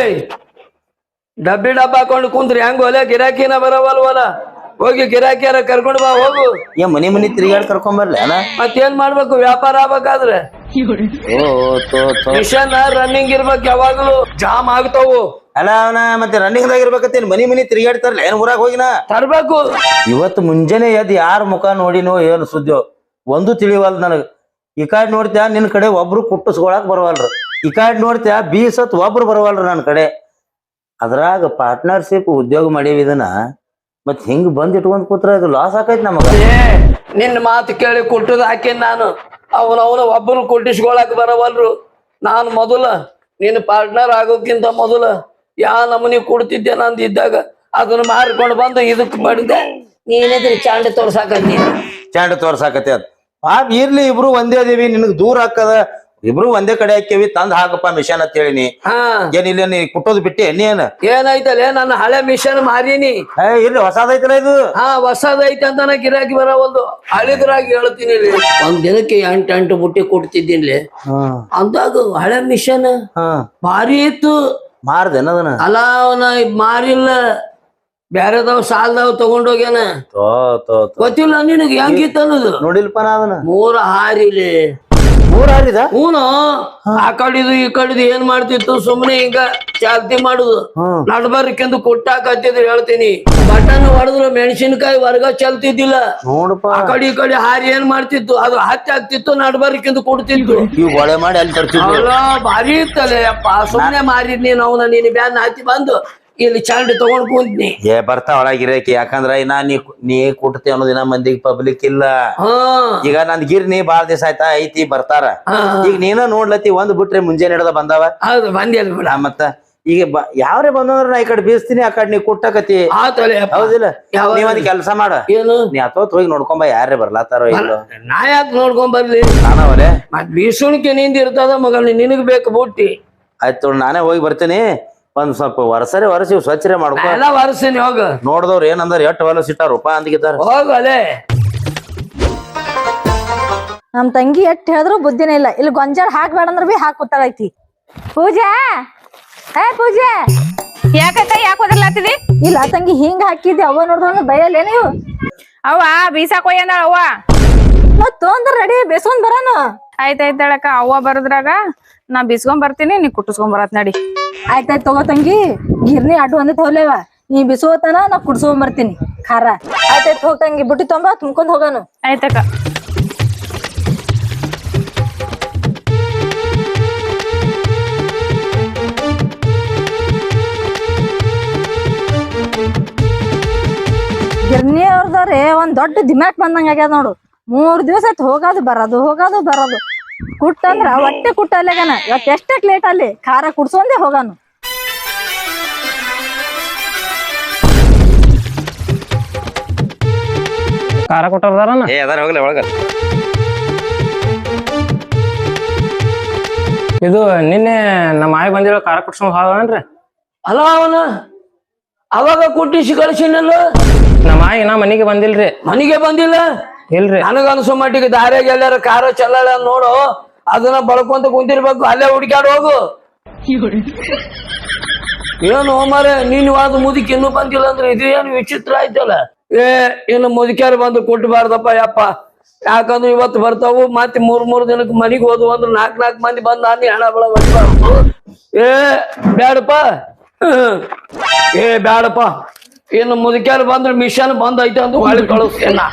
ಡಬ್ಬಿ ಡಬ್ಬ ಹಾಕೊಂಡು ಕುಂತ್ರಿ ಹೆಂಗ ಹೊಲ ಗಿರಾಕಿನ ಬರವಲ್ವಲ್ಲ ಹೋಗಿ ಗಿರಾಕಿಯಾರ ಕರ್ಕೊಂಡ್ ಬಾ ಹೋಗು. ಮನಿ ಮನಿ ತಿರುಗಾಡಿ ಕರ್ಕೊಂಡ್ ಬರ್ಲಿ ಅಣ್ಣ. ಮತ್ತೇನ್ ಮಾಡ್ಬೇಕು ವ್ಯಾಪಾರ ಆಗ್ಬೇಕಾದ್ರೆ ಮಿಷನ್ ರನ್ನಿಂಗ್ ಇರ್ಬೇಕು ಯಾವಾಗ್ಲೂ ಜಾಮ್ ಆಗ್ತಾವು. ಅಲ್ಲ ಅವನ ಮತ್ತೆ ರನ್ನಿಂಗ್ ದಾಗ ಇರ್ಬೇಕತ್ತೇನ್ ಮನಿ ಮನಿ ತಿರುಗಾಡ್ತಾರಲ್ಲ ಏನ್ ಊರಾಗ ಹೋಗಿನ ತರ್ಬೇಕು. ಇವತ್ತು ಮುಂಜಾನೆ ಎದ್ದು ಯಾರ ಮುಖ ನೋಡಿನೋ ಏನು ಸುದ್ದಿಯೋ ಒಂದು ತಿಳಿವಲ್ ನನಗ್. ಈ ಕಾಡ್ ನೋಡ್ತ್ಯಾ ನಿನ್ ಕಡೆ ಒಬ್ರು ಕುಟ್ಟಿಸ್ಕೊಳಕ್ ಬರವಲ್ರು, ಈ ಕಾಡ್ ನೋಡ್ತ್ಯಾ ಬೀಸತ್ ಒಬ್ರು ಬರವಲ್ರು ನನ್ ಕಡೆ. ಅದ್ರಾಗ ಪಾರ್ಟ್ನರ್ಶಿಪ್ ಉದ್ಯೋಗ ಮಾಡೀವಿ ಇದನ್ನ ಮತ್ ಹಿಂಗ್ ಬಂದ್ ಇಟ್ಕೊಂಡ್ ಕೂತ್ರ ಅದು ಲಾಸ್ ಆಕೈತಿ ನಮಗ. ನಿನ್ನ ಮಾತು ಕೇಳಿ ಕುಟ್ಟದ್ ಹಾಕೇನ್ ನಾನು. ಅವನ ಒಬ್ಬರು ಕುಟ್ಟಿಸ್ಕೊಳಕ್ ಬರವಲ್ರು. ನಾನು ಮೊದಲ ನಿನ್ನ ಪಾರ್ಟ್ನರ್ ಆಗೋಕ್ಕಿಂತ ಮೊದಲ ಯಾ ನಮನಿ ಕೊಡ್ತಿದ್ದೆ ನಂದು ಇದ್ದಾಗ ಅದನ್ನ ಮಾರ್ಕೊಂಡು ಬಂದು ಇದಕ್ ಮಾಡಿದೆ. ನೀನೇದ್ರಿ ಚಾಂಡೆ ತೋರ್ಸಾಕತ್ತಿ ಚಾಂಡ ತೋರ್ಸಾಕತಿ ಅದ್ ಇರ್ಲಿ ಇಬ್ರು ಒಂದೇ ಅದೀವಿ, ನಿನಗ್ ದೂರ ಹಾಕದ ಇಬ್ರು ಒಂದೇ ಕಡೆ ಹಾಕ್ಯವಿ ತಂದ್ ಹಾಕಪ್ಪ ಮಿಷನ್ ಅಂತ ಹೇಳಿನಿ. ಏನಿಲ್ಲ ನೀ ಕುಟ್ಟೋದು ಬಿಟ್ಟೆ ನೀನ್ ಏನಾಯ್ತಲ್ಲ ನನ್ನ ಹಳೆ ಮಿಷನ್ ಮಾರೀನಿ. ಇರ್ಲಿ ಹೊಸದೈತಲ್ಲ ಇದು. ಹೊಸದೈತೆ ಅಂತ ನಾ ಗಿರಾಕಿ ಬರವಲ್ದು. ಹಳಿದ್ರಾಗಿ ಹೇಳ್ತೀನಿ ಒಂದ್ ದಿನಕ್ಕೆ 8 ಬುಟ್ಟಿ ಕೊಡ್ತಿದ್ದೀನಿ ಅಂದಾಗ ಹಳೆ ಮಿಷನ್ ಭಾರಿ ಇತ್ತು. ಮಾರ್ದೇನದನ್ನ ಅಲ್ಲ ಅವನ ಮಾರಿಲ್ಲ, ಬ್ಯಾರೆದವ್ ಸಾಲದವ್ ತಗೊಂಡೋಗ್ಯಾನ. ಗೊತ್ತಿಲ್ಲ ನಿನಗೆ ಹೆಂಗಿತ್ತು ಅನ್ನೋದು. ನೋಡಿಲ್ಪ ನಾ ಅದನ್ನ 3 ಹಾರಿಲಿ 3 ಹಾರಿದ. ಹೂನು ಆ ಕಡಿದು ಈ ಕಡಿದು ಏನ್ ಮಾಡ್ತಿತ್ತು ಸುಮ್ನೆ ಹಿಂಗ ಚಾಲ್ತಿ ಮಾಡುದು. ನಡ್ಬರ್ಕೆಂದು ಕೊಟ್ಟಾಕತ್ತಿದ್ರು ಹೇಳ್ತೀನಿ. ಬಟನ್ ಹೊಡೆದ್ರು ಮೆಣಸಿನಕಾಯಿ ವರ್ಗ ಚಲ್ತಿದ್ದಿಲ್ಲ. ನೋಡಪ್ಪ ಆ ಕಡೆ ಈ ಕಡೆ ಹಾರಿ ಏನ್ ಮಾಡ್ತಿತ್ತು ಅದು ಹತ್ತಿ ಆಗ್ತಿತ್ತು ನಡ್ಬರ್ಕೆಂದು ಕೊಡ್ತಿತ್ತು. ಒಳೆ ಮಾಡಿ ಅಲ್ಲಿ ತರ್ತಿದ್ರು. ಭಾರಿ ಇತ್ತಲ್ಲ ಅಪ್ಪ. ಸುಮ್ನೆ ಮಾರಿದ್ ನೀನ್ ಅವನ ನೀನ್ ಬ್ಯಾನ್ ಹಾಕಿ ಬಂದು ಇಲ್ಲಿ ಚಾಂಡಿ ತಗೊಂಡ್ ಕುಂತ್ನಿ. ಬರ್ತಾ ಒಳಗಿರಕ್ಕೆ ಯಾಕಂದ್ರ ಇನ್ನ ನೀ ಕುಟ್ತಿ ಅನ್ನೋದಿನ ಮಂದಿಗೆ ಪಬ್ಲಿಕ್ ಇಲ್ಲ. ಈಗ ನಂದ್ ಗಿರ್ನಿ ಬಾಳ ದಿವಸ ಆಯ್ತಾ ಐತಿ ಬರ್ತಾರ. ಈಗ ನೀನ ನೋಡ್ಲತಿ ಒಂದ್ ಬಿಟ್ರೆ ಮುಂಜಾನೆ ಹಿಡ್ದ ಬಂದಾವ. ಹೌದು ಬಂದಿಲ್ಲ ಮತ್ತ ಈಗ ಯಾವ್ರೆ ಬಂದ್ರ ನಾ ಈ ಕಡೆ ಬೀಸ್ತೀನಿ, ಆ ಕಡೆ ನೀ ಕುಟ್ಟಕತಿ. ಹೌದಿಲ್ಲ? ನೀವೊಂದ್ ಕೆಲ್ಸ ಮಾಡ, ಏನು ನೀ ಅತ್ತೋತ್ ಹೋಗಿ ನೋಡ್ಕೊಂಬ ಯಾರೇ ಬರ್ಲಾತಾರೋ ಇಲ್ಲ. ನಾ ಯಾಕೆ ನೋಡ್ಕೊಂಡ್ ಬರ್ಲಿ? ನಾನವಲೆ ಮತ್ ಬೀಸುಣಿಕೆ ನಿಂದ ಇರ್ತದ ಮಗ, ನಿನಗ್ ಬೇಕು ಬುಟ್ಟಿ. ಆಯ್ತು ನಾನೇ ಹೋಗಿ ಬರ್ತೀನಿ. ಒಂದ್ ಸ್ವಲ್ಪ ವರ್ಷಿ ಸ್ವಚ್ಛರೆ ಮಾಡ್ಕೊ. ಎಲ್ಲ ವರ್ಷನಿ ಹೋಗ. ನೋಡ್ದವ್ರ ಏನಂದ್ರ ಎಷ್ಟ್ ಹೊಲಸ್ ಇಟ್ಟಾರಪ್ಪ ಅಂದಿಗಿದ್ದಾರ. ಹೋಗಲೇ ನಮ್ ತಂಗಿ ಎಷ್ಟ್ ಹೇಳಿದ್ರು ಬುದ್ಧಿನೇ ಇಲ್ಲ. ಇಲ್ಲಿ ಗೊಂಜಾಳ ಹಾಕ್ಬೇಡ ಅಂದ್ರ ಬಿ ಹಾಕ್ ಕೂತಾಳೈತಿ. ಪೂಜಾ ಪೂಜಾ ಯಾಕಕ್ಕ ಯಾಕೆ ಓದರ್ಲಾತಿದಿ? ಇಲ್ಲ ತಂಗಿ ಹಿಂಗ ಹಾಕಿದ್ದೆ ಅವ್ವ ನೋಡಿದ್ರ ಬೈಯಲ್ಲ ನೀವು. ಅವ್ವ ಬೀಸಾಕ್ ಹೋಯ್ಯಂದಾಳ ಅವ್ವ. ಮತ್ ತೊಂದ್ರ ರೆಡಿ ಬೇಸ್ಕೊಂಡ್ ಬರಾನ. ಆಯ್ತಾಯ್ತಾಳಕ್ಕ ಅವ್ವ ಬರದ್ರಾಗ ನಾ ಬಿಸ್ಕೊಂಡ್ ಬರ್ತೀನಿ, ನೀ ಕುಟ್ಟಿಸ್ಕೊಂಡ್ ಬರತ್ ನಡಿ. ಆಯ್ತಾಯ್ತು ತಗೋ ತಂಗಿ, ಗಿರ್ನಿ ಅಡ್ಡು ಒಂದೇ ತಗೊಲೇವ. ನೀ ಬಿಸೋತನ ನಾ ಕುಡ್ಸ್ಕೊಂಡ್ ಬರ್ತೀನಿ ಖಾರ. ಆಯ್ತಾಯ್ತು ಹೋಗ್ ತಂಗಿ ಬುಟ್ಟಿ ತೊಂಬ ತುಂಬ್ಕೊಂಡ್ ಹೋಗಾನು. ಆಯ್ತಕ್ಕ. ಗಿರ್ನಿ ಅವ್ರದವ್ರೆ ಒಂದ್ ದೊಡ್ಡ ದಿಮಾಕ್ ಬಂದಂಗ ಆಗ್ಯಾದ ನೋಡು. 3 ದಿವಸ ಆಯ್ತು ಹೋಗೋದು ಬರೋದು ಕುಟ್ಟಂದ್ರ ಹೊಟ್ಟೆ ಕುಟ್ಟಲ್ಲೇಗನ. ಇವತ್ತು ಎಷ್ಟಕ್ ಲೇಟ್ ಅಲ್ಲಿ ಖಾರ ಕುಡ್ಸೊಂದೇ ಹೋಗಾನು. ಖಾರ ಕೊಟ್ಟರ್ದಾರನ ಹೋಗ್ಲಿ ಒಳಗ. ಇದು ನಿನ್ನೆ ನಮ್ಮ ಆಯ್ ಬಂದಿರೋ ಖಾರ ಕುಟ್ಸ್ಕೊಂಡ್ ಹೋಗನ್ರಿ. ಅಲ್ಲ ಅವನ ಅವಾಗ ಕುಟ್ಟಿಸಿ ಕಳ್ಸಿನಲ್ಲ. ನಮ್ಮ ಆಯ್ ನಾ ಮನಿಗೆ ಬಂದಿಲ್ರಿ. ಮನಿಗೆ ಬಂದಿಲ್ಲ ಇಲ್ರಿ. ನನಗನ್ಸೋ ಮಟ್ಟಿಗೆ ದಾರ್ಯಾಗ ಎಲ್ಲಾರ ಖಾರ ಚಲ್ಲಾಳ ನೋಡು, ಅದನ್ನ ಬಳ್ಕೊಂತ ಕುಂತಿರ್ಬೇಕು. ಅಲ್ಲೇ ಹುಡ್ಕ್ಯಾಡ್ ಹೋಗು. ಏನು ಮಾರ ನೀನ್ ವಾದ ಮುದುಕಿ ಇನ್ನೂ ಬಂದಿಲ್ಲ ಅಂದ್ರೆ ಇದು ಏನು ವಿಚಿತ್ರ ಆಯ್ತಲ್ಲ. ಇನ್ನು ಮುದುಕ್ಯಾರ ಬಂದು ಕೊಟ್ಟಬಾರ್ದಪ್ಪ ಯಪ್ಪ. ಯಾಕಂದ್ರೆ ಇವತ್ತು ಬರ್ತಾವು ಮತ್ತೆ 3 ದಿನಕ್ಕೆ ಮನಿಗೆ ಹೋದ್ವು ಅಂದ್ರೆ 4 ಮಂದಿ ಬಂದ್ ನಾನು ಹಣ ಬಳ ಹೊಡಿಬಾರ್ದು. ಬ್ಯಾಡಪ್ಪ ಬ್ಯಾಡಪ್ಪ. ಇನ್ನು ಮುದುಕ್ಯಾರ ಬಂದ್ರೆ ಮಿಷನ್ ಬಂದ್ ಐತೆ ಅಂತ ಹೊಳಿ ಕಳಿಸ್ತೇನ.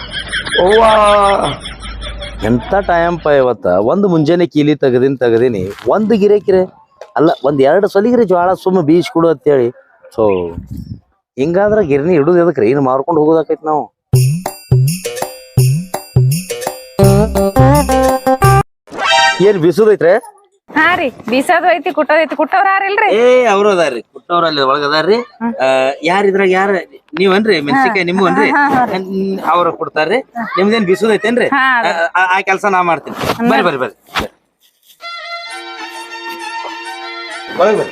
ಎಂತ ಟೈಮ್ ಪ ಇವತ್ತ. ಒಂದು ಮುಂಜಾನೆ ಕೀಲಿ ತೆಗದೀನಿ ಒಂದು ಗಿರೇಕಿರೆ ಅಲ್ಲ, 1-2 ಸಲಿಗಿರಿ ಜ್ವಾಳ ಸುಮ್ಮ ಬೀಸ್ ಕೊಡು ಅಂತೇಳಿ. ಸೊ ಹಿಂಗಾದ್ರ ಗಿರ್ನಿ ಹಿಡುದು ಎದಕ್ರಿ? ಇನ್ನು ಮಾರ್ಕೊಂಡು ಹೋಗೋದಾಕೈತಿ ನಾವು. ಏನ್ ಬೀಸುದೈತ್ರೆ? ಹಾ ರೀ ಬೀಸೋದು ಐತಿ ಕುಟ್ಟೋದೈತಿ. ಕುಟ್ಟವ್ರ ಯಾರಿಲ್ರಿ? ಅವ್ರು ಅದಾರ್ರಿ, ಕುಟ್ಟವ್ರ ಅಲ್ಲಿ ಒಳಗದಾರ್ರಿ. ಯಾರಿದ್ರಾಗ ಯಾರ ನೀವನ್ರಿ ಮೆಣಸಿನ್ಕಾಯಿ ನಿಮ್ವನ್ರಿ? ಅವ್ರ ಕೊಡ್ತಾರ್ರಿ. ನಿಮ್ದೇನ್ ಬೀಸುದೈತೇನ್ರಿ? ಆ ಕೆಲ್ಸ ನಾ ಮಾಡ್ತೀನಿ. ಬರ್ರಿ ಒಳಗ್ ಬರ್ರಿ.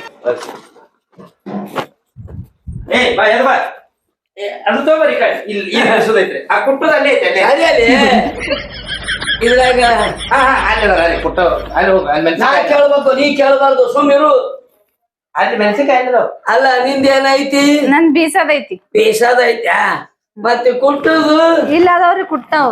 ಅದು ತಗೋರಿ ಇಲ್ಲಿ ಬೀಸುದೈತ್ರಿ. ಆ ಕುಟ್ಟದ ಅಲ್ಲಿ ಐತೆ ಇದ್ರಾಗ ಕುಟ್ಟವ್ರು ಅಲ್ಲಿ ಹೋಗ. ನಾ ಕೇಳ್ಬೇಕು, ನೀ ಕೇಳಬಾರ್ದು. ಸುಮ್ಮಿರು. ಅಲ್ಲಿ ಮೆಣಸಿನ್ಕಾಯಿ ಅದಾವ. ಅಲ್ಲ ನಿಂದೇನೈತಿ ನನ್ ಬೀಸದೈತಿ. ಬೇಸದೈತ್ಯಾ ಮತ್ತೆ ಕುಟ್ಟುದು ಇಲ್ಲ ಅದಾವ್ರಿ ಕುಟ್ಟಾವ್.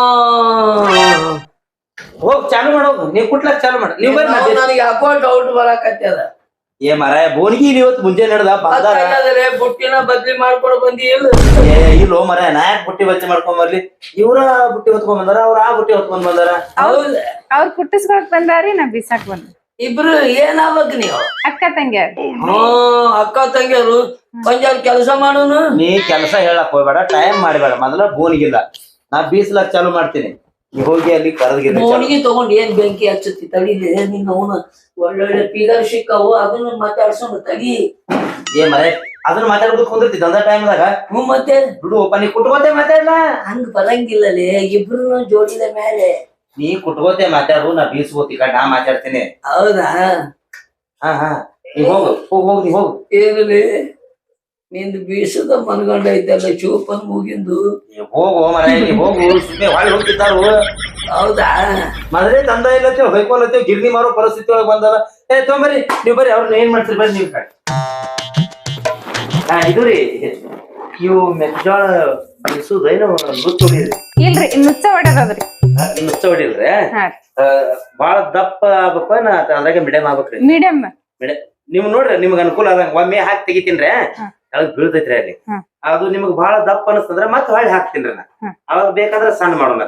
ಹೋಗ್ ಚಾಲು ಮಾಡೋದು ನೀವ್ ಕುಟ್ಲಾಕ್ ಚಾಲು ಮಾಡ ನೀವ್ ಬರ್ರಿ ಮತ್ತೆ. ನನಗೆ ಯಾಕೋ ಡೌಟ್ ಬರಾಕತ್ಯದ. ಏ ಮರಾಯ ಬೋನ್ಗಿ ಇವತ್ತು ಮುಂಜಾನೆ ನಡೆದ ಬಂದಾರ. ಬುಟ್ಟಿನ ಬದ್ಲಿ ಮಾಡ್ಕೊಂಡು ಬಂದಿ ಇಲ್ಲ ಇಲ್ಲೋ ಮರಾಯ ನಾ ಯಾಕೆ ಬುಟ್ಟಿ ಬಚ್ಚಿ ಮಾಡ್ಕೊಂಡ್ ಬರ್ಲಿ. ಇವ್ರ ಬುಟ್ಟಿ ಹೊತ್ಕೊಂಡ್ ಬಂದಾರ, ಅವ್ರ ಆ ಬುಟ್ಟಿ ಹೊತ್ಕೊಂಡ್ ಬಂದಾರ. ಹೌದ ಅವ್ರ ಕುಟ್ಟಿಸ್ಕೊಳಕ್ ಬಂದಾರಿ, ನಾ ಬೀಸಾಕ್ ಬಂದ. ಇಬ್ರು ಏನಾಗ್ಬೇಕು ನೀವು? ಅಕ್ಕ ತಂಗ್ಯಾರ. ಅಕ್ಕ ತಂಗಿಯರು ಕೊಂಜಾರ್ ಕೆಲಸ ಮಾಡೋನು. ನೀ ಕೆಲಸ ಹೇಳಕ್ ಹೋಗ್ಬೇಡ, ಟೈಮ್ ಮಾಡಬೇಡ. ಮೊದಲ ಬೋನಿಗಿಲ್ಲ, ನಾ ಬೀಸ್ಲಾಕ್ ಚಾಲು ಮಾಡ್ತೀನಿ. ನೀ ಹೋಗಿ ಅಲ್ಲಿ ಕರದ್ಗಿರ ಬೋಣಿಗೆ ತಗೊಂಡ್ ಏನ್ ಬೆಂಕಿ ಹಚ್ಚುತ್ತಿ ತಡಿಲಿ. ನೀನ್ ಅವನು ಒಳ್ಳೊಳ್ಳೆ ಫಿಗರ್ ಸಿಕ್ಕವು, ಅದನ್ನ ಮಾತಾಡ್ಸೋಣ ತಡಿ. ಏ ಮರೆ ಅದನ್ನ ಮಾತಾಡ್ಬೇಕು ಕುಂದಿರ್ತಿ ದಂದ ಟೈಮ್ದಾಗ. ಮತ್ತೆ ಬಿಡು ಒಪ್ಪ, ನೀ ಕುಟ್ಕೋತೆ ಮಾತಾಡ್ಲ. ಹಂಗ ಬರಂಗಿಲ್ಲಲೇ, ಇಬ್ರು ಜೋಡಿದ ಮೇಲೆ. ನೀ ಕುಟ್ಕೋತೆ ಮಾತಾಡು, ನಾ ಬೀಸ್ಕೋತಿ ಕಡ್ ನಾ ಮಾತಾಡ್ತೀನಿ. ಹೌದಾ? ಹಾ ನೀ ಹೋಗು ಹೋಗ್ ನೀ ಹೋಗು. ಏನಲ್ಲಿ ನಿಂದು ಬೀಸದ ಮನಗಂಡ ಐತಲ್ಲ ಚೂಪನ್ ಮುಗಿಂದು. ಹೋಗು ಮರ, ನೀ ಹೋಗು. ಸುಮ್ಮನೆ ಹೊಳಿ ಹೋಗ್ತಿದ್ದಾರು. ಹೌದಾ? ಮದ್ರೆ ತಂದ ಇಲ್ಲತ್ತೇವ್ ಹೊಯ್ಕೊಲತ್ತೇವ್, ಗಿರ್ನಿ ಮಾರೋ ಪರಿಸ್ಥಿತಿ ಒಳಗೆ ಬಂದದ. ಏ ತೊಂಬರಿ ನೀವ್ ಬರ್ರಿ, ಅವ್ರನ್ನ ಏನ್ ಮಾಡ್ತೀರಿ ಬರ್ರಿ ನೀವ್ ಕಡೆ. ಇದು ರೀ, ಇವು ಮೆಕ್ಜೋಳ ಬೀಸುದ ಏನು ನುಚ್ಚ ಹೊಡಿದ್ರಿ? ಇಲ್ರಿ ನುಚ್ಚ ಹೊಡ್ಯದದ್ರಿ. ನುಚ್ಚ ಹೊಡಿಲ್ರಿ? ಹಾ ಬಾಳ ದಪ್ಪ ಆಗ್ಬೇಕು ಅದ್ರಾಗ ಮಿಡಿಯಂ ಆಗ್ಬೇಕ್ರಿ. ಮೀಡಿಯಂ. ನೀವ್ ನೋಡ್ರಿ ನಿಮ್ಗ ಅನುಕೂಲ ಆದಂಗ ಒಮ್ಮೆ ಹಾಕಿ ತೆಗಿತೀನ್ರಿ, ಅಳಗ್ ಬೀಳ್ತೈತ್ರಿ ಅಲ್ಲಿ. ಅದು ನಿಮ್ಗ್ ಬಾಳ ದಪ್ಪ ಅನಸ್ತಂದ್ರ ಮತ್ ಹೊಳ್ಳಿ ಹಾಕ್ತೀನ್ರಿ ನಾ. ಅವಾಗ ಬೇಕಾದ್ರ ಸಣ್ಣ ಮಾಡೋಣ.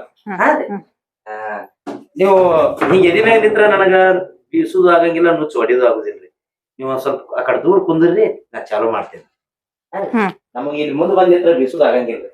ನೀವು ಹಿಂಗ ಎದಿ ಮ್ಯಾಗ ನಿಂತ್ರ ನನಗ ಬೀಸುದು ಆಗಂಗಿಲ್ಲ, ನುಚ್ಚು ಹೊಡಿಯೋದು ಆಗುದಿಲ್ರಿ. ನೀವು ಒಂದ್ ಸ್ವಲ್ಪ ಆ ಕಡೆ ದೂರ ಕುಂದ್ರಿ, ನಾ ಚಾಲು ಮಾಡ್ತೇನೆ. ನಮಗ ಇಲ್ಲಿ ಮುಂದ್ ಬಂದ್ ನಿಂತ್ರ ಬೀಸುದು ಆಗಂಗಿಲ್ರಿ.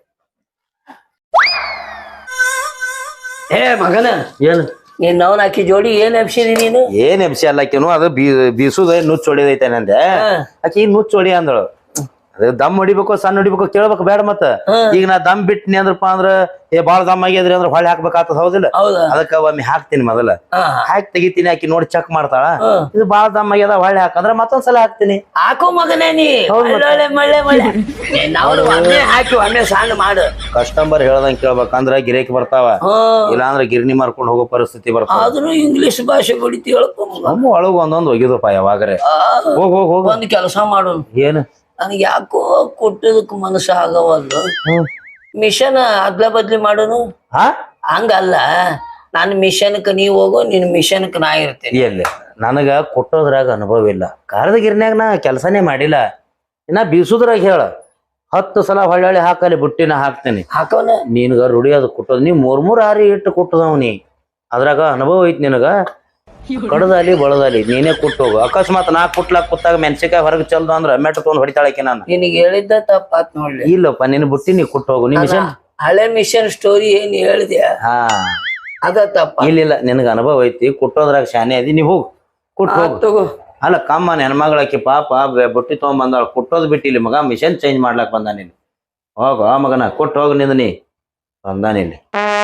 ಏ ಮಗನ, ಏನು ನೀನ್ ಅವನ್ ಹಾಕಿ ಜೋಡಿ ಏನ್ ಎಬ್ಸಿದಿ ನೀನು? ಏನ್ ಎಬ್ಸಿ ಅಲ್ಲಾಕಿನು, ಅದು ಬೀಸುದ ನುಚ್ಚು ಹೊಡಿದೈತೆ ನಂದೆ. ಆಕಿ ನುಚ್ಚು ಹೊಡಿ ಅಂದಳು. ಅದ ದಮ್ ಹೊಡಿಬೇಕು ಸಣ್ಣ ಹೊಡಿಬೇಕು ಕೇಳ್ಬೇಕು ಬೇಡ. ಮತ್ತ ಈಗ ನಾ ದಮ್ ಬಿಟ್ನಿ ಅಂದ್ರಪ್ಪ ಅಂದ್ರ ಏ ಬಾಳ ದಮ್ ಆಗ್ಯದ್ರಿ ಅಂದ್ರ ಹೊಳ್ಳಿ ಹಾಕ್ಬೇಕಾಗ್ತದ, ಹೌದಿಲ್ಲ? ಅದಕ್ಕ ಒಮ್ಮೆ ಹಾಕ್ತೀನಿ, ಮೊದಲ ಹಾಕಿ ತೆಗಿತೀನಿ. ಆಕಿ ನೋಡಿ ಚೆಕ್ ಮಾಡ್ತಾಳ, ಇದು ಬಾಳ ದಮ್ ಆಗ್ಯದ ಹೊಳ್ಳಿ ಹಾಕಂದ್ರ ಮತ್ತೊಂದ್ಸಲ ಹಾಕ್ತೀನಿ. ಹಾಕೋ ಮಗನೇ ನೀ ಒಳ್ಳೆ ಮಳ್ಳೆ ಮಳ್ಳೆ ನಾವು ಒಮ್ಮೆ ಹಾಕಿ ಒಮ್ಮೆ ಸಣ್ಣ ಮಾಡು. ಕಸ್ಟಮರ್ ಹೇಳ್ದಂಗ್ ಕೇಳ್ಬೇಕಂದ್ರ ಗಿರೇಕಿ ಬರ್ತಾವ, ಇಲ್ಲಾಂದ್ರ ಗಿರ್ನಿ ಮಾರ್ಕೊಂಡ್ ಹೋಗೋ ಪರಿಸ್ಥಿತಿ ಬರ್ತಾವ. ಆದ್ರೂ ಇಂಗ್ಲಿಷ್ ಭಾಷೆ ಬಡಿತಿ ಹೇಳ್ಕೊ. ನಮ್ಮ ಒಳಗ ಒಂದೊಂದ್ ಒಗಿದಪ್ಪ ಯಾವಾಗ್ರೆ. ಹೋಗ್ ಹೋಗ್ ಹೋಗ್. ಒಂದ್ ಕೆಲಸ ಮಾಡೋಣ. ಏನು? ನನಗೆ ಯಾಕೋ ಕೊಟ್ಟದಕ್ ಮನಸ್ಸು ಆಗವಲ್ದು. ಮಿಷನ್ ಅದ್ಲ ಬದ್ಲಿ ಮಾಡೋನು. ಹಂಗಲ್ಲ, ನಾನು ಮಿಷನ್ಕ್ ನೀವ್ ಹೋಗೋ, ನಿನ್ ಮಿಷನ್ಕ್ ನಾ ಇರ್ತೇನೆ. ಎಲ್ಲಿ ನನಗ ಕೊಟ್ಟೋದ್ರಾಗ ಅನುಭವ ಇಲ್ಲ. ಕಾರದ ಗಿರ್ನ್ಯಾಗ ನಾ ಕೆಲಸನೇ ಮಾಡಿಲ್ಲ. ಇನ್ನ ಬೀಸುದ್ರಾಗ ಹೇಳ 10 ಸಲ ಹೊಳ್ಳಿ ಹಾಕಲಿ ಬುಟ್ಟಿನ ಹಾಕ್ತೇನೆ. ಹಾಕೋನ ನಿನ್ಗ ರೂಢಿ ಅದು ಕೊಟ್ಟೋದ್. ನೀ 3 ಇಟ್ಟು ಕೊಟ್ಟದವ್ ನೀ, ಅದ್ರಾಗ ಅನುಭವ ಐತಿ ನಿನಗ. ಕಡದಲ್ಲಿ ಬಳದಲ್ಲಿ ನೀನೇ ಕೊಟ್ಟೋಗು. ಅಕಸ್ಮಾತ್ ನಾ ಕುಟ್ಲಾಕ್ ಕೂತಾಗ ಮೆಣಸಿಕಾಯಿ ಹೊರಗೆ ಚಲ್ದು ಅಂದ್ರ ಮೆಟ್ಟ ತೊಗೊಂಡ್ ಹೊಡಿತಾಳಕಿ ನಾನು. ನಿನಗೆ ಹೇಳಿದ್ದ ತಪ್ಪಾತ್ ನೋಡ್ಲಿ. ಇಲ್ಲಪ್ಪ, ನಿನ್ ಬುಟ್ಟಿ ನೀ ಕೊಟ್ಟೋಗು. ನೀ ಮಿಷನ್ ಹಳೆ ಮಿಷನ್ ಸ್ಟೋರಿ ಏನ್ ಹೇಳಿದ್ಯಾ ಅದ ತಪ್ಪ. ಇಲ್ಲ ನಿನಗ ಅನುಭವ ಐತಿ, ಕುಟ್ಟೋದ್ರಾಗ ಶಾನೆ ಅದಿ. ನೀ ಹೋಗು ಕುಟ್ ಹೋಗು. ತಗೋ. ಅಲ್ಲ ಕಮ್ಮ ಹೆಣ್ಮಗಳಾಕಿ ಪಾಪ ಬುಟ್ಟಿ ತಗೊಂಡ್ ಬಂದಾಳ, ಕುಟ್ಟೋದ್ ಬಿಟ್ಟಿಲ್ಲಿ ಮಗ, ಮಿಷನ್ ಚೇಂಜ್ ಮಾಡ್ಲಾಕ್ ಬಂದ ನೀನು. ಹೋಗು ಮಗನ, ಕೊಟ್ಟು ಹೋಗು. ನಿಂದ ನೀ ಬಂದಾನಿಲ್ಲಿ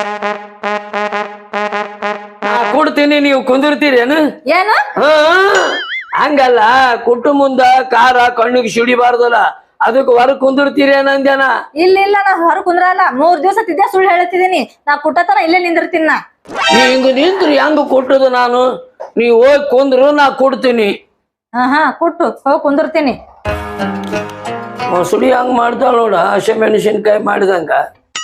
ಕೊಡ್ತೀನಿ, ನೀವು ಕುಂದಿರ್ತೀರೇನು? ಏನು ಹಂಗಲ್ಲ, ಕುಟ್ಟು ಮುಂದ ಕಾರ ಕಣ್ಣಿಗೆ ಸಿಡಿಬಾರ್ದಲ್ಲ, ಅದಕ್ಕೆ ಹೊರ ಕುಂದಿರ್ತೀರೇನಂದ್ಯಾನ? ಇಲ್ಲ ನಾ ಹೊರ ಕುಂದ್ರಲ್ಲ. 3 ದಿವಸ ತಿದ್ದೆ ಸುಳ್ಳು ಹೇಳ್ತಿದೀನಿ. ನಾ ಕುಟ್ಟತನ ಇಲ್ಲೇ ನಿಂದಿರ್ತೀನಿ. ನಾ ನೀ ಹಿಂಗ ನಿಂತ್ರಿ ಹೆಂಗ ಕೊಟ್ಟದು ನಾನು? ನೀವ್ ಹೋಗಿ ಕುಂದ್ರು ನಾ ಕೊಡ್ತೀನಿ. ಕುಟ್ಟು ಹೋಗಿ ಕುಂದಿರ್ತೀನಿ. ಮೊಸಳಿ ಹಂಗ ಮಾಡ್ತಾಳ ನೋಡ, ಹಸಿ ಮೆಣಸಿನ್ಕಾಯಿ ಮಾಡಿದಂಗ.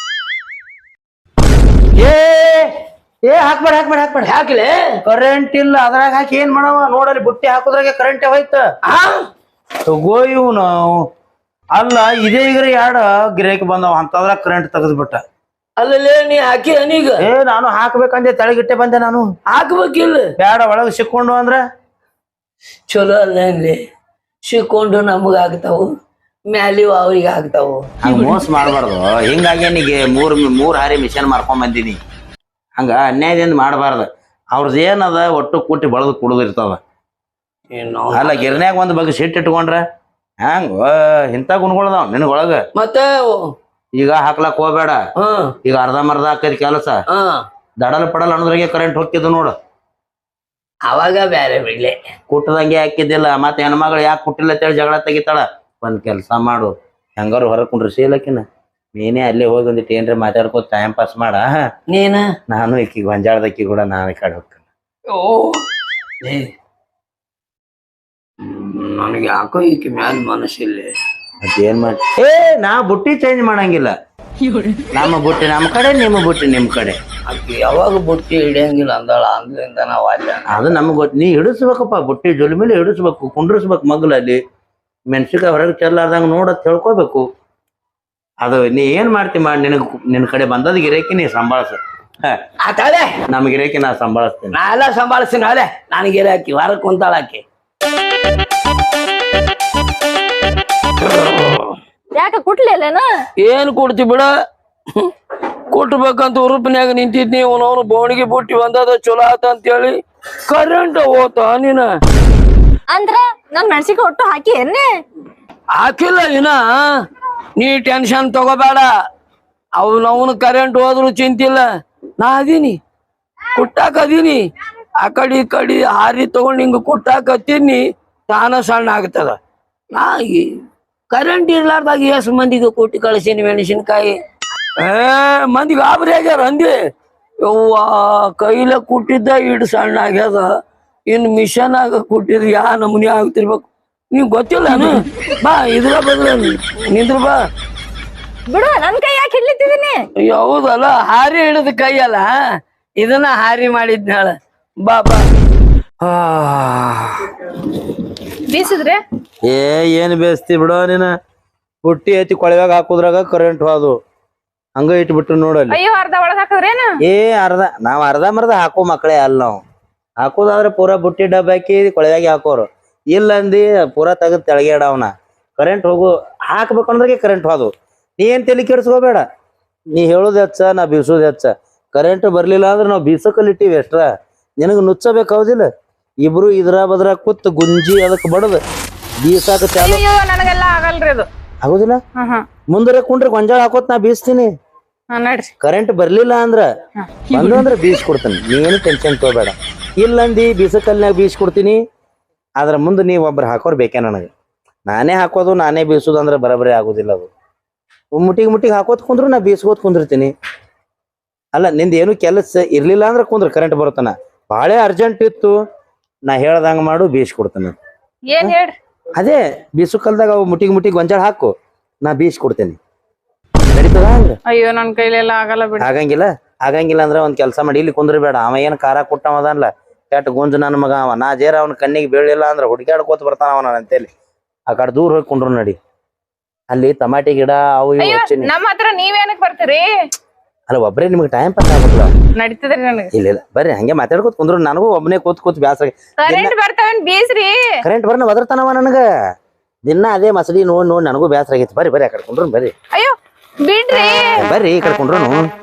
ಏ ಹಾಕ್ಬೇಡ ಹಾಕ್ಬೇಡ ಹಾಕ್ಬೇಡ. ಯಾಕಲೆ? ಕರೆಂಟ್ ಇಲ್ಲ, ಅದ್ರಾಗ ಹಾಕಿ ಏನ್ ಮಾಡವ? ನೋಡಲ್ಲಿ ಬುಟ್ಟಿ ಹಾಕೋದ್ರಾಗೆ ಕರೆಂಟ್ ಹೋಯ್ತ. ತಗೋ ಇವ್ನು. ಅಲ್ಲ ಇದೇ ಈಗ 2 ಗಿರಾಕಿ ಬಂದವ ಅಂತದ್ರಾಗ ಕರೆಂಟ್ ತೆಗೆದ್ಬಿಟ್ಟ. ಅಲ್ಲೇ ನೀ ಹಾಕಿ ಅನೀಗ? ಏ ನಾನು ಹಾಕ್ಬೇಕಂದೆ ತೆಳಗಿಟ್ಟೆ ಬಂದೆ ನಾನು. ಹಾಕ್ಬೇಕಿಲ್ಲ? ಬ್ಯಾಡ, ಒಳಗ್ ಸಿಕ್ಕೊಂಡು ಅಂದ್ರ ಚಲೋ ಅಲ್ಲೇ ಸಿಕ್ಕೊಂಡು ನಮಗ ಆಗ್ತಾವು, ಮ್ಯಾಲಿ ಅವ್ರಿಗೆ ಆಗ್ತಾವು. ಹಂಗ ಮೋಸ ಮಾಡ್ಬಾರ್ದು. ಹಿಂಗಾಗಿ ನೀಗೆ 3 ಹಾರಿ ಮಿಷನ್ ಮಾರ್ಕೊಂಡ್ ಬಂದಿನಿ. ಹಂಗ ಅನ್ಯಾಯದಿಂದ ಮಾಡಬಾರ್ದು. ಅವ್ರದ್ದು ಏನದ ಒಟ್ಟು ಕೂಟಿ ಬಳದು ಕುಡಿದಿರ್ತಾವ. ಅಲ್ಲ ಗಿರ್ನ್ಯಾಗ ಒಂದ್ ಬಗ್ಗೆ ಸಿಟ್ಟು ಇಟ್ಕೊಂಡ್ರ ಹಂಗ ಇಂಥ ಗುಣಗಳದಾವ ನಿನಗೊಳಗ. ಮತ್ತೆ ಈಗ ಹಾಕ್ಲಾಕ್ ಹೋಗ್ಬೇಡ. ಈಗ ಅರ್ಧಂಬರ್ಧ ಹಾಕೈತಿ ಕೆಲಸ. ದಡಲ್ ಪಡಲ್ ಅನ್ನೋದ್ರಾಗೆ ಕರೆಂಟ್ ಹೋಗ್ತಿದ್ದು ನೋಡು. ಅವಾಗ ಬ್ಯಾರೆ ಬಿಡ್ಲೆ, ಕುಟ್ಟದಂಗೆ ಹಾಕಿದ್ದಿಲ್ಲ. ಮತ್ತೆ ಹೆಣ್ಮಗಳು ಯಾಕೆ ಕುಟ್ಟಿಲ್ಲ ಅಂತೇಳಿ ಜಗಳ ತೆಗಿತಾಳ. ಒಂದ್ ಕೆಲ್ಸ ಮಾಡು, ಹೆಂಗಾರು ಹೊರ ಕುಂಡ್ರಿ ಶೀಲಕಿನ ನೀನೇ ಅಲ್ಲೇ ಹೋಗಿ ಒಂದಿಟ್ಟು ಏನ್ರಿ ಮಾತಾಡ್ಕೋ ಟೈಮ್ ಪಾಸ್ ಮಾಡ. ನೀನ ನಾನು ಈಕಿ ಗೊಂಜಾಳದಕ್ಕಿ ಕೂಡ ನಾನು ಈ ಕಡೆ ಹೋಗ್ತೇನೆ. ನನಗೆ ಯಾಕೋ ಈಕೆ ಮ್ಯಾಲ ಮನಸ್ಸಿಲ್ಲ. ಮತ್ತೇನ್ ಮಾಡಿ ನಾ ಬುಟ್ಟಿ ಚೇಂಜ್ ಮಾಡಂಗಿಲ್ಲ. ನಮ್ಮ ಬುಟ್ಟಿ ನಮ್ಮ ಕಡೆ, ನಿಮ್ಮ ಬುಟ್ಟಿ ನಿಮ್ ಕಡೆ. ಆಕೆ ಯಾವಾಗ ಬುಟ್ಟಿ ಹಿಡಿಯಂಗಿಲ್ಲ ಅಂದಾಳ, ಅಂದ್ರಿಂದ ನಾವ್ ಅಲ್ಲ. ಅದು ನಮ್ಗೆ ಗೊತ್ತು. ನೀ ಹಿಡಿಸ್ಬೇಕಪ್ಪ, ಬುಟ್ಟಿ ಜೊಲಿ ಮೇಲೆ ಹಿಡಿಸ್ಬೇಕು, ಕುಂಡ್ರಿಸ್ಬೇಕು ಮಗ್ಲಲ್ಲಿ. ಮೆಣಸಿನ್ಕಾಯಿ ಹೊರಗೆ ಚೆಲ್ಲಾರ್ದಂಗ ನೋಡತ್ ಹೇಳ್ಕೋಬೇಕು. ಅದು ನೀ ಏನ್ ಮಾಡ್ತಿ ಮಾಡಿ, ನಿನ್ ಕಡೆ ಬಂದದ ಗಿರೇಕಿ ನೀ ಸಂಭಾಳಿಸ. ಆತಾಳೆ ನಮ್ ಗಿರೇಕಿ ನಾ ಸಂಭಾಳಿಸ್ತೀನಿ. ನಾ ಎಲ್ಲ ಸಂಭಾಳಿಸ್ತೀನಿ. ಅಲೆ ನನಗೆ ಹಾಕಿ ವಾರಕ್ಕೆ ಕುಂತಾಳ ಆಕಿ. ಯಾಕ ಕುಟ್ಲಿಲ್ಲೇನ? ಏನ್ ಕೊಡ್ತಿ ಬಿಡ, ಕೊಟ್ಬೇಕಂತ ಉರುಪಿನ್ಯಾಗ ನಿಂತಿದ್ನಿ. ಅವನವನು ಬೋಣಿಗೆ ಬುಟ್ಟಿ ಬಂದದ ಚಲೋ ಆತ ಅಂತೇಳಿ ಕರೆಂಟ್ ಹೋತ. ನೀನ ಅಂದ್ರ ನನ್ ಮೆಣಸಿಗೆ ಒಟ್ಟು ಹಾಕಿ ಎನ್ನೆ ಹಾಕಿಲ್ಲ ಇನ್ನ. ನೀ ಟೆನ್ಷನ್ ತಗೋಬೇಡ. ಅವನವನು ಕರೆಂಟ್ ಹೋದ್ರು ಚಿಂತಿಲ್ಲ. ನಾ ಅದೀನಿ, ಕುಟ್ಟಾಕ ಅದೀನಿ. ಆ ಕಡೆ ಈ ಕಡೆ ಹಾರಿ ತಗೊಂಡು ಹಿಂಗ ಕುಟ್ಟಾಕ ಹತ್ತೀನಿ, ತಾನ ಸಣ್ಣ ಆಗ್ತದ. ನಾ ಕರೆಂಟ್ ಇರ್ಲಾರ್ದಾಗ ಎಷ್ಟು ಮಂದಿಗೆ ಕೊಟ್ಟು ಕಳಿಸೀನಿ ಮೆಣಸಿನ್ಕಾಯಿ. ಮಂದಿ ಗಾಬರಿ ಆಗ್ಯಾರ ಅಂದಿ. ಯವ್ವ ಕೈಲ ಕುಟ್ಟಿದ್ದ ಇಡ್ ಸಣ್ಣ ಆಗ್ಯದ, ಇನ್ ಮಿಷನ್ ಆಗ ಕುಟ್ಟಿದ್ರೆ ಯಾ ನಮೂನಿ ಆಗ್ತಿರ್ಬೇಕು. ನೀವ್ ಗೊತ್ತಿಲ್ಲನು? ಬಾ ಇದ್ರ ಬದ್ರ ನಿಂದ್ರ ಬಾ. ಬಿಡು, ನನ್ ಕೈ ಯಾಕೆ ಹಿಡ್ಲಿತ್ತಿದೀನಿ? ಹೌದಲ್ಲ, ಹಾರಿ ಹಿಡಿದ ಕೈಯಲ್ಲ, ಇದನ್ನ ಹಾರಿ ಮಾಡಿದ್ನಾಳ. ಬಾ ಬಾ. ಬೀಸಿದ್ರೆ ಏನ್ ಬೇಸ್ತಿ ಬಿಡೋ ನೀನ. ಬುಟ್ಟಿ ಐತಿ ಕೊಳವ್ಯಾಗ ಹಾಕುದ್ರಾಗ ಕರೆಂಟ್ ಹೋದು ಹಂಗ ಇಟ್ಬಿಟ್ಟು ನೋಡಲ್ಲಿ. ಅಯ್ಯೋ, ಅರ್ಧ ಒಳಗ್ ಹಾಕಿದ್ರೇನ? ಅರ್ಧ ನಾವ್ ಅರ್ಧ ಮರ್ಧ ಹಾಕೋ ಮಕ್ಕಳೇ ಅಲ್ಲ. ನಾವು ಹಾಕೋದಾದ್ರೆ ಪೂರಾ ಬುಟ್ಟಿ ಡಬ್ಬ ಹಾಕಿ ಕೊಳವ್ಯಾಗ ಹಾಕೋರು. ಇಲ್ಲ ಅಂದಿ ಪೂರಾ ತೆಗೆದು ತೆಳಗೆ ಇಡವನ. ಕರೆಂಟ್ ಹೋಗು ಹಾಕ್ಬೇಕಂದ್ರೆ ಕರೆಂಟ್ ಹೋದು. ನೀ ಏನ್ ತಲೆ ಕೆಡ್ಸ್ಕೋಬೇಡ. ನೀ ಹೇಳೋದ್ ಹೆಚ್ಚ, ನಾ ಬೀಸೋದ್ ಹೆಚ್ಚ. ಕರೆಂಟ್ ಬರ್ಲಿಲ್ಲ ಅಂದ್ರೆ ನಾವು ಬೀಸಕಲ್ಲಿ ಇಟ್ಟಿವಿ ಎಷ್ಟ್ರ. ನಿನಗ್ ನುಚ್ಚಬೇಕು ಹೌದಿಲ್ಲ? ಇಬ್ರು ಇದ್ರ ಬದ್ರ ಕೂತ್ ಗುಂಜಿ ಅದಕ್ಕೆ ಬಡದ್ ಬೀಸಾಕ ಚಾಲು. ಅಯ್ಯೋ, ನನಗೆಲ್ಲ ಆಗಲ್ರಿ ಅದು. ಆಗುದಿಲ್ಲ? ಮುಂದರೆ ಕುಂಡ್ರೆ ಗೊಂಜಾಳ ಹಾಕೋತ್ ನಾ ಬೀಸ್ತೀನಿ. ನಡ್ರಿ. ಕರೆಂಟ್ ಬರ್ಲಿಲ್ಲ ಅಂದ್ರ ಬಂದು ಅಂದ್ರೆ ಬೀಸ್ ಕೊಡ್ತೀನಿ. ನೀನು ಟೆನ್ಷನ್ ತಗೋಬೇಡ. ಇಲ್ಲಂದಿ ಬೀಸಕಲ್ನಾಗ ಬೀಸ್ ಕೊಡ್ತೀನಿ. ಅದ್ರ ಮುಂದೆ ನೀವ್ ಒಬ್ರು ಹಾಕೋರ್ ಬೇಕೇ ನನಗೆ. ನಾನೇ ಹಾಕೋದು ನಾನೇ ಬೀಸೋದು ಅಂದ್ರೆ ಬರಬರಿ ಆಗುದಿಲ್ಲ. ಅದು ಮುಟ್ಟಿಗೆ ಹಾಕೋತ್ ಕುಂದ್ರು ನಾ ಬೀಸ್ಕೋತ್ ಕುಂದಿರ್ತೀನಿ. ಅಲ್ಲ ನಿಂದ ಏನು ಕೆಲಸ ಇರ್ಲಿಲ್ಲ ಅಂದ್ರೆ ಕುಂದ್ರ ಕರೆಂಟ್ ಬರುತ್ತಾನ. ಬಾಳೆ ಅರ್ಜೆಂಟ್ ಇತ್ತು, ನಾ ಹೇಳ್ದಂಗ ಮಾಡು, ಬೀಸ್ ಕೊಡ್ತಾನೆ. ಏನ್ ಹೇಳ್ರಿ? ಅದೇ ಬೀಸು ಕಲ್ದಾಗ ಅವು ಮುಟ್ಟಿಗೆ ಗೊಂಜಾಳ ಹಾಕು, ನಾ ಬೀಸ್ ಕೊಡ್ತೇನೆ. ನಡೀತದ ಹಂಗ? ಅಯ್ಯೋ, ನನ್ ಕೈಲೆಲ್ಲ ಆಗಲ್ಲ ಬಿಡಿ. ಆಗಂಗಿಲ್ಲ ಅಂದ್ರೆ ಒಂದ್ ಕೆಲಸ ಮಾಡಿ, ಇಲ್ಲಿ ಕುಂದ್ರಬೇಡ. ಅವ ಏನ್ ಖಾರ ಕೊಟ್ಟವದಲ್ಲ, ಕೆಟ್ಟ ಗುಂಜ ನನ್ನ ಮಗ ಅವ. ನಾ ಜೇರ ಅವನ ಕಣ್ಣಿಗೆ ಬೀಳಿಲ್ಲ ಅಂದ್ರೆ ಹುಡುಕ್ಯಾಡ್ಕೋತ ಬರ್ತಾನ ಅವನ ಅಂತೇಳಿ. ಆ ಕಡೆ ದೂರ ಹೋಗಿ ಕುಂಡ್ರು ನಡಿ. ಅಲ್ಲಿ ಟಮಾಟಿ ಗಿಡ ಅವು ಇವು ಹಚ್ಚಿನಿ. ನಮ್ಮ ಹತ್ರ ನೀವೇನಕ್ ಬರ್ತೀರಿ? ಅಲ್ಲ ಒಬ್ಬರೇ ನಿಮ್ಗೆ ಟೈಮ್ ಪಾಸ್ ಆಗ್ಬೇಕಲ್ಲ. ನಡೀತದ್ರಿ ನನಗೆ. ಇಲ್ಲ ಬರ್ರಿ ಹಂಗೆ ಮಾತಾಡ್ಕೋತ ಕುಂದ್ರು. ನನಗೂ ಒಬ್ಬನೇ ಕೂತ್ ಬ್ಯಾಸರ. ಕರೆಂಟ್ ಬರ್ತಾವೇನ್ ಬೀಸ್ರಿ? ಕರೆಂಟ್ ಬರ್ನ ಒದರ್ತಾನವ ನನಗ. ದಿನ ಅದೇ ಮಸಡಿ ನೋಡ್ ನನಗೂ ಬ್ಯಾಸರ ಆಗೈತಿ. ಬರ್ರಿ ಆ ಕಡೆ ಕುಂಡ್ರು ಬರ್ರಿ. ಅಯ್ಯೋ ಬಿಡ್ರಿ. ಬರ್ರಿ ಈ ಕಡೆ ಕುಂಡ್ರು.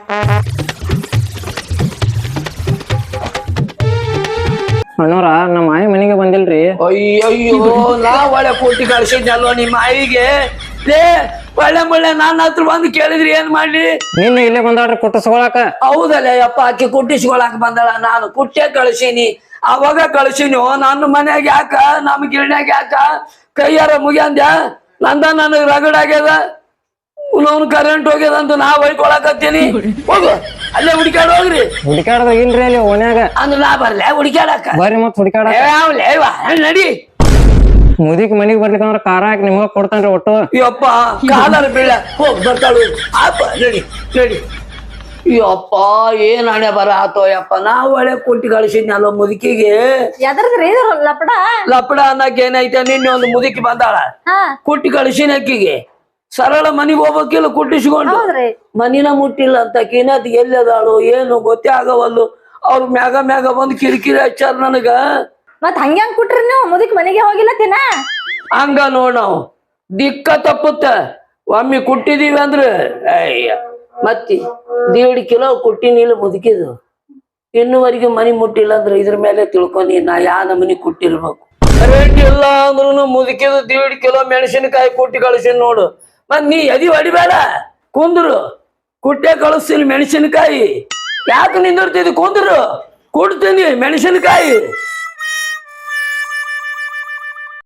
ಅಣ್ಣವ್ರ ನಮ್ಮ ಮಾಯಿ ಮನೆಗೆ ಬಂದಿಲ್ರಿ. ಅಯ್ಯಯ್ಯೋ, ನಾ ಒಳ್ಳೆ ಕೊಟ್ಟಿ ಕಳ್ಸಿದ್ನಲ್ವ ನಿಮ್ಮ ಆಯಿಗೆ. ಲೇ ಒಳ್ಳೆ ನನ್ನ ಹತ್ರ ಬಂದು ಕೇಳಿದ್ರಿ ಏನ್ ಮಾಡ್ಲಿ? ನಿನ್ನೆ ಇಲ್ಲೇ ಬಂದಾಳ್ರಿ ಕುಟ್ಟಿಸ್ಕೊಳಕ. ಹೌದಲ್ಲ ಯಪ್ಪ, ಆಕಿ ಕುಟ್ಟಿಸ್ಕೊಳಕ್ ಬಂದಳ. ನಾನು ಕುಟ್ಟೆ ಕಳ್ಸೀನಿ, ಅವಾಗ ಕಳ್ಸೀನಿ. ನನ್ನ ಮನ್ಯಾಗ ಯಾಕ, ನಮ್ ಗಿರ್ಣ್ಯಾಗ ಯಾಕ ಕೈಯಾರ ಮುಗ್ಯಾಂದ್ಯಾ? ನಂದ ನನಗ್ ರಗಡ್ ಆಗ್ಯದ. ಅವ್ನು ಕರೆಂಟ್ ಹೋಗ್ಯದ ಅಂತ ನಾ ಹೊಯ್ಕೊಳಕತ್ತೀನಿ. ಹೋಗು ಅಲ್ಲೇ ಹುಡುಕಾಡ್ ಹೋಗ್ರಿ. ಹುಡುಕಾಡ್ದ ಇಲ್ರಿ ಅಲ್ಲಿ ಓನ್ಯಾಗ. ಅಂದ್ರೆ ನಾ ಬರ್ಲೆ ಹುಡುಕಾಡಕ? ಬರ್ರಿ ಮತ್ ಹುಡುಕಾಡ. ನಡಿ. ಮುದಿಕ್ ಮನಿಗ್ ಬರ್ಲಿಕ್ಕಂದ್ರ ಖಾರ ಹಾಕಿ ನಿಮ್ಗ ಕೊಡ್ತಾನ್ರಿ ಒಟ್ಟು. ಯಪ್ಪ ಕಾಲರ್ ಬೀಳ ಹೋಗ್ ಬರ್ತಾಳು. ಅಪ್ಪ ನಡಿ ನಡಿ. ಯಪ್ಪ ಏನ್ ಹಣೆ ಬರ ಆತೋ ಯಪ್ಪ. ನಾ ಒಳ್ಳೆ ಕೊಟ್ಟಿ ಕಳಿಸಿದ್ನಲ್ಲ ಮುದುಕಿಗೆ. ಎದ್ರದ್ರಿ ಲಪಡ? ಲಪಡ ಅನ್ನಕ್ ಏನೈತೆ? ನಿನ್ನೆ ಒಂದು ಮುದುಕಿ ಬಂದಾಳ, ಕುಟ್ಟಿ ಕಳಿಸಿನ ಅಕ್ಕಿಗೆ. ಸರಳ ಮನಿಗ್ ಹೋಗ್ಬೇಕಿಲ್ಲ ಕುಟ್ಟಿಸ್ಕೊಂಡು. ಮನಿನ ಮುಟ್ಟಿಲ್ಲ ಅಂತ ಕಿನತ್ ಎಲ್ಲದಾಳು ಏನು ಗೊತ್ತೇ ಆಗವಲ್ಲು. ಅವ್ರ ಮ್ಯಾಗ ಬಂದು ಕಿರಿಕಿರಿ ಹಚ್ಚಾರ ನನಗ. ಮತ್ ಹಂಗ್ಯಾಂಗ್ ಕುಟ್ರಿ ನೀವು? ಮುದುಕ್ ಮನೆಗೆ ಹೋಗಿಲ್ಲ ತಿನ್ನ? ಹಂಗ ನೋಡ್ ನಾವು ದಿಕ್ಕ ತಪ್ಪುತ್ತ. ಒಮ್ಮೆ ಕುಟ್ಟಿದೀವಿ ಅಂದ್ರೆ ಅಯ್ಯ ಮತ್ತಿ 1.5 ಕಿಲೋ ಕುಟ್ಟಿನಿಲ್ಲ ಮುದುಕಿದು. ಇನ್ನುವರೆಗೆ ಮನಿ ಮುಟ್ಟಿಲ್ಲ ಅಂದ್ರೆ ಇದ್ರ ಮೇಲೆ ತಿಳ್ಕೊಂಡಿ ನಾ ಯಾ ನಮನಿ ಕುಟ್ಟಿರ್ಬೇಕು. ರೇಟ್ ಇಲ್ಲ ಅಂದ್ರೂ ಮುದುಕಿದು 1.5 ಕಿಲೋ ಮೆಣಸಿನಕಾಯಿ ಕುಟ್ಟಿ ಕಳಿಸಿನ ನೋಡು. ಮತ್ ನೀ ಎದಿ ಹೊಡಿಬೇಡ, ಕುಂದ್ರು. ಕುಟ್ಟೆ ಕಳಿಸ್ತೀನಿ ಮೆಣಸಿನಕಾಯಿ. ಯಾಕೆ ನಿಂದಿರ್ತಿದ್? ಕುಂದ್ರು, ಕೊಡ್ತೀನಿ ಮೆಣಸಿನಕಾಯಿ.